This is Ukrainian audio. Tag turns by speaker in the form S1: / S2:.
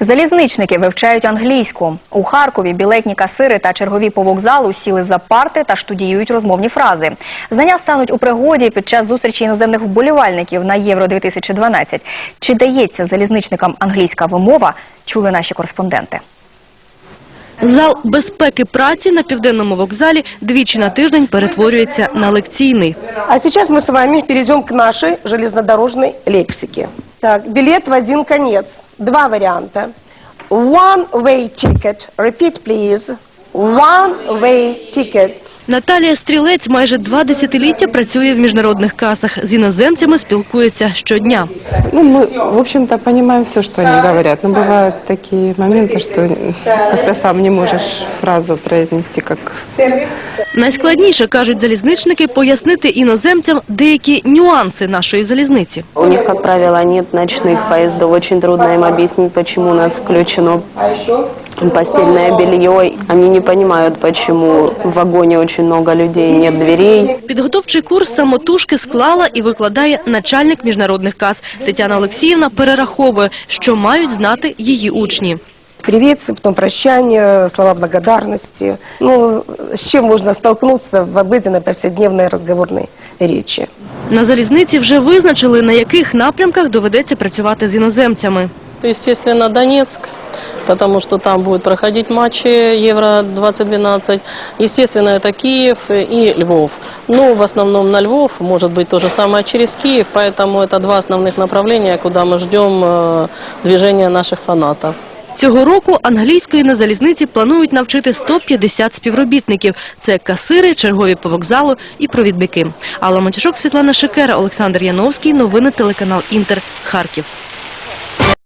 S1: Залізничники вивчають англійську. У Харкові білетні касири та чергові по вокзалу сіли за парти та штудіюють розмовні фрази. Знання стануть у пригоді під час зустрічі іноземних вболівальників на Євро-2012. Чи дається залізничникам англійська вимова, чули наші кореспонденти.
S2: Зал безпеки праці на Південному вокзалі двічі на тиждень перетворюється на лекційний.
S3: А сейчас мы с вами перейдем к нашей железнодорожной лексике. Так, билет в один конец. Два варианта. One-way ticket. Repeat, please. One-way ticket.
S2: Наталія Стрілець майже 2 десятиліття працює в міжнародних касах. З іноземцями спілкується щодня.
S4: Мы, в общем-то, понимаем все, что они говорят. Но бывают такие моменты, что как-то сам не можешь фразу произнести, как...
S2: Найскладніше, кажуть залізничники, пояснити іноземцям деякі нюанси нашої залізниці.
S5: У них, как правило, нет ночных поездов. Очень трудно им объяснить, почему у нас включено постельное белье. Они не понимают, почему в вагоне очень много людей, нет дверей.
S2: Підготовчий курс самотужки склала і викладає начальник міжнародних кас. Тетяна Олексіївна перераховує, що мають знати її учні.
S3: Приветствие, потом прощание, слова благодарности. Ну, с чем можно столкнуться в обыденной повседневной разговорной речи.
S2: На залізниці вже визначили, на яких напрямках доведеться працювати з іноземцями.
S6: Естественно, Донецк, потому что там будут проходить матчи Евро-2012. Естественно, это Киев и Львов. Но в основном на Львов, может быть, то же самое через Киев. Поэтому это два основных направления, куда мы ждем движения наших фанатов.
S2: Цього року англійської на залізниці планують навчити 150 співробітників. Це касири, чергові по вокзалу і провідники. Алла Матюшок, Світлана Шикера, Олександр Яновський. Новини телеканал Інтер. Харків.